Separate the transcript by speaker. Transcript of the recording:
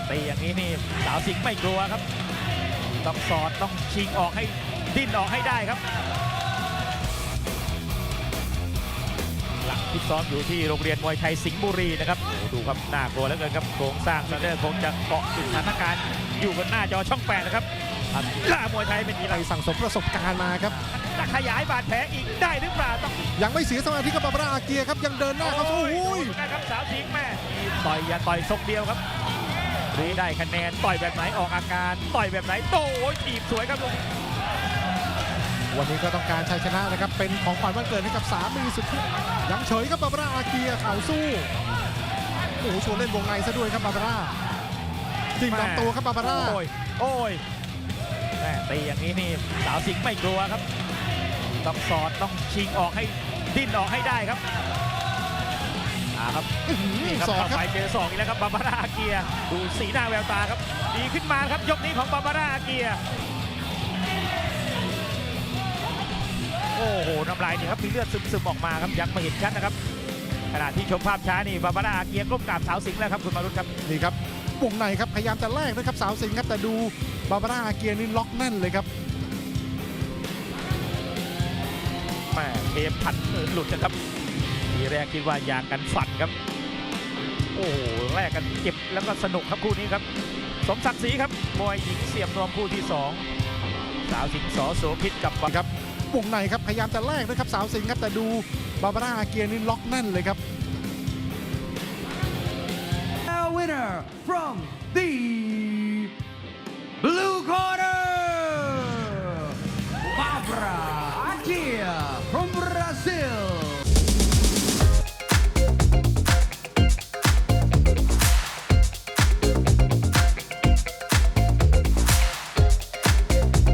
Speaker 1: ตีอย่างนี้นี่สาวสิงห์ไม่กลัวครับต้องสอดต้องชิงออกให้ดิ้นออกให้ได้ครับหลักที่ซ้อมอยู่ที่โรงเรียนมวยไทยสิงห์บุรีนะครับดูครับน่ากลัวเหลือเกินครับโครงสร้างซันเดอร์คงจะเกาะติดสถานการณ์อยู่บนหน้าจอช่อง 8นะครับล่ามวยไทยเป็นอย่างไร
Speaker 2: สั่งสมประสบการณ์มาครับ
Speaker 1: จะขยายบาดแผลอีกได้หรือเปล่าต้อง
Speaker 2: ยังไม่เสียสมาธิกับบาบาร่าอาเกียครับยังเดินหน้าครับโอ้ย
Speaker 1: นะครับสาวสิงห์แม่ต่อยอย่าต่อยทรงเดียวครับไม่ได้คะแนนต่อยแบบไหนออกอาการต่อยแบบไหนโต้ถีบสวยครับลุง
Speaker 2: วันนี้ก็ต้องการชัยชนะนะครับเป็นของขวัญวันเกิดให้กับสามีสุดที่ยังเฉยครับบาบาร่าอาเกียเข่าสู้โอ้โหชวนเล่นวงในซะด้วยครับบาบาร่าจิ้มลำตัวครับบาบาร่า
Speaker 1: โอ้ยแม่ตีอย่างนี้นี่สาวสิงห์ไม่กลัวครับต้องสอดต้องชิงออกให้ดิ้นออกให้ได้ครับครับนี่ครับ
Speaker 2: สอง
Speaker 1: เข้า
Speaker 2: ครับ
Speaker 1: ไปเจอ2อีกแล้วครับบาบาร่าอาเกียดูสีหน้าแววตาครับดีขึ้นมาครับยกนี้ของบาบาร่าอาเกียโอ้โหน้ำลายนี่ครับมีเลือดซึมๆออกมาครับยังไม่เห็นชัดนะครับขณะที่ชมภาพช้านี่บาบาร่าอาเกียก้มกราบสาวสิงห์แล้วครับคุณมารุตครับ
Speaker 2: นี่ครับวงในครับพยายามจะแลกนะครับสาวสิงห์ครับแต่ดูบาบาร่าอาเกียนี่ล็อกแน่นเลยครับ
Speaker 1: แม่เทปพันหลุดนะครับทีแรกคิดว่ายางกันฝันครับโอ้โหแลกกันเจ็บแล้วก็สนุกครับคู่นี้ครับสมศักดิ์ศรีครับมวยหญิงเสียบนวมคู่ที่2สาวสิงห์ส.โสภิตกับ
Speaker 2: ครับวงในครับพยายามจะแลกนะครับสาวสิงห์ครับแต่ดูบาบาร่าอาเกียนี่ล็อกแน่นเลยครับ
Speaker 3: Now winner from the